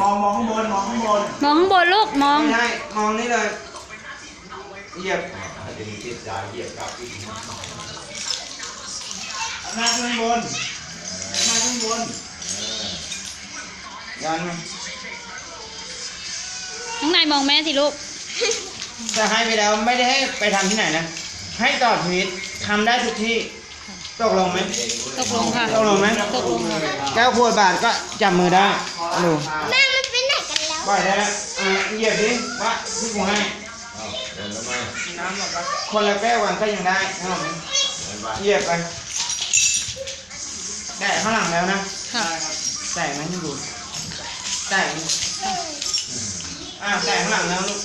มองข้างบนมองข้างบนมองข้างบนลูกมองไม่ได้มองนี่เลยเหยียบจะมีติดยาเหยียบกับอีกหน้าขึ้นบนหน้าขึ้นบนยันไหมน้องนายมองแม่สิลูกจะให้ไปแล้วไม่ได้ให้ไปทำที่ไหนนะให้ต่อชีวิตทำได้ทุกที่ตกลงไหมตกลงค่ะตกลงไหมตกลงค่ะแก้วขวดบาทก็จับมือได้ดูแม่มันไปไหนกันแล้วปล่อยได้แล้วเหยียบดิว่าที่กูให้เดินแล้วไหมน้ำหมดปะคนละแก้วกันก็ยังได้นะผมเดินไปเหยียบไปแตะข้างหลังแล้วนะค่ะแตะไหมให้ดูแตะแตะข้างหลังแล้วลูก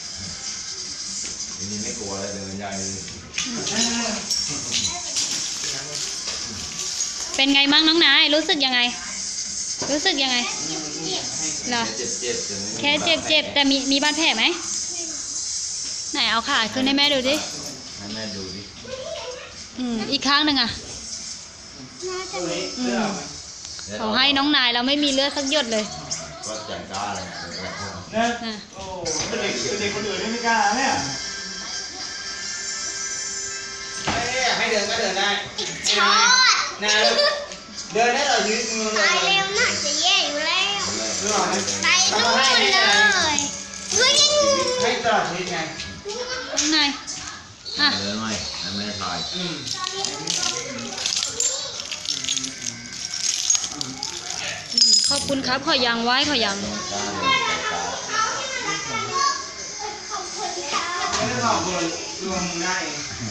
ทีนี้ไม่กลัวแล้วเดินใหญ่เลยเป็นไงมั่งน้องนายรู้สึกยังไง รู้สึกยังไงเหรอเจ็บแค่เจ็บแต่มีบาดแผลไหมไหนเอาขาขึ้นให้แม่ดูดิให้แม่ดูดิอีกข้างหนึ่งอ่ะตัวนี้เสื้อเอาไหมเขาให้น้องนายเราไม่มีเลือดสักหยดเลยก็จัดกล้าเลยนะนะโอ้เป็นเด็กคนอื่นไม่กล้าเนี่ยให้เดินก็เดินได้ชอดนะเดินได้ต่อชีวิตมือเลตายยเร็วน่าจะแย่อยู่แล้วรู้หรอไปนู่นเลยวิ่งให้ตลอดชีวิตไงน้องนายอ่ะเดินไหมให้แม่ถ่ายขอบคุณครับขอยังไว้ขอยังกล้าเลยกล้าไม่ได้บอกคนรวมได้